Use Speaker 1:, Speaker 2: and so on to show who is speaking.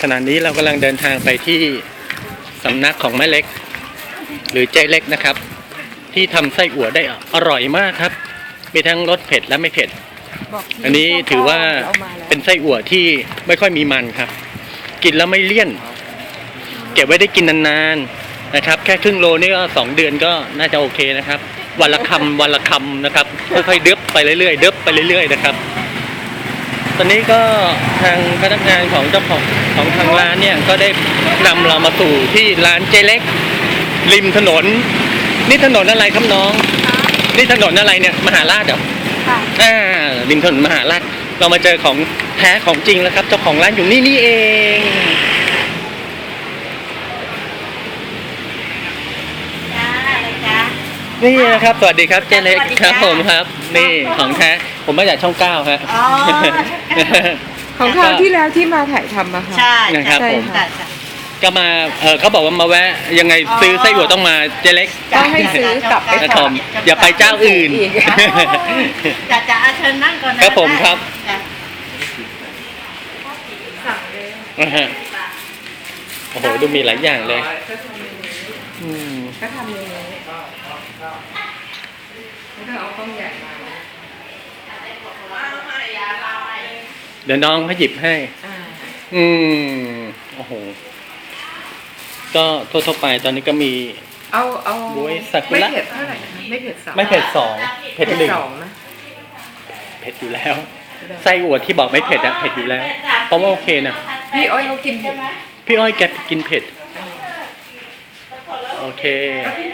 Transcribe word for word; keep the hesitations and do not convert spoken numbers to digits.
Speaker 1: ขณะนี้เรากำลังเดินทางไปที่สำนักของแม่เล็กหรือเจ๊เล็กนะครับที่ทำไส้อั่วได้อร่อยมากครับมีทั้งรสเผ็ดและไม่เผ็ดอันนี้ถือว่าเป็นไส้อั่วที่ไม่ค่อยมีมันครับกินแล้วไม่เลี่ยนเก็บไว้ได้กินนานๆนะครับแค่ครึ่งโลนี่ก็สองเดือนก็น่าจะโอเคนะครับวันละคำวันละคำนะครับค่อยๆเดิบไปเรื่อยๆเดิบไปเรื่อยๆนะครับตอนนี้ก็ทางพนักงานของเจ้าของของทางร้านเนี่ยก็ได้นำเรามาสู่ที่ร้านเจเล็กริมถนนนี่ถนนอะไรครับน้องนี่ถนนอะไรเนี่ยมหาราชเหรอค่ะอ่าริมถนนมหาราชเรามาเจอของแท้ของจริงแล้วครับเจ้าของร้านอยู่นี่นี่เองนี่นะครับสวัสดีครับเจเล็กครับผมครับนี่ของแท้ผมมาจากช่องเก้าครับ
Speaker 2: ของคราวที่แล้วที่มาถ่ายทำอะค่ะ
Speaker 3: ใช่
Speaker 1: นะครับผม
Speaker 3: ใช่
Speaker 1: ก็มาเออเขาบอกว่ามาแวะยังไงซื้อไส้อั่วต้องมาเจเล็ก
Speaker 2: ต้องให้ซื้อกลับไป
Speaker 1: นะค
Speaker 2: ก่
Speaker 1: รั
Speaker 2: อบ น
Speaker 1: อย่าไปเจ้าอื่น
Speaker 3: จะจะอาเชิญนั่งก่อนนะครับ
Speaker 1: ผมครับ
Speaker 2: สั่งเลย
Speaker 1: นะฮะโอ้โหดูมีหลายอย่างเลยอืม
Speaker 2: ก็ทำอย่างนี้แล้วก็เอาข้าวใหญ่มา
Speaker 1: เดี๋ยวน้องเขาหยิบให้
Speaker 2: อ่า
Speaker 1: อืมโอ้โหก็ทั่วๆไปตอนนี้ก็มี
Speaker 2: เอาเอา
Speaker 1: บ๊วยซากุ
Speaker 2: ไม่
Speaker 1: ระ
Speaker 2: เผ็ดเท่าไหร่นะคะไม่เผ็ดสอง
Speaker 1: ไม่เผ็ดสองเผ็ด
Speaker 2: เผ็ด
Speaker 1: หนึ่ง
Speaker 2: สองนะ
Speaker 1: เผ็ดอยู่แล้วไส้อั่วที่บอกไม่เผ็ดอะเผ็ดอยู่แล้วเพราะว่าโอเคนะ
Speaker 2: พี่อ้อยเขากินเผ็ด
Speaker 1: พี่อ้อยแกกินเผ็ดโอเค
Speaker 2: แล้วพี่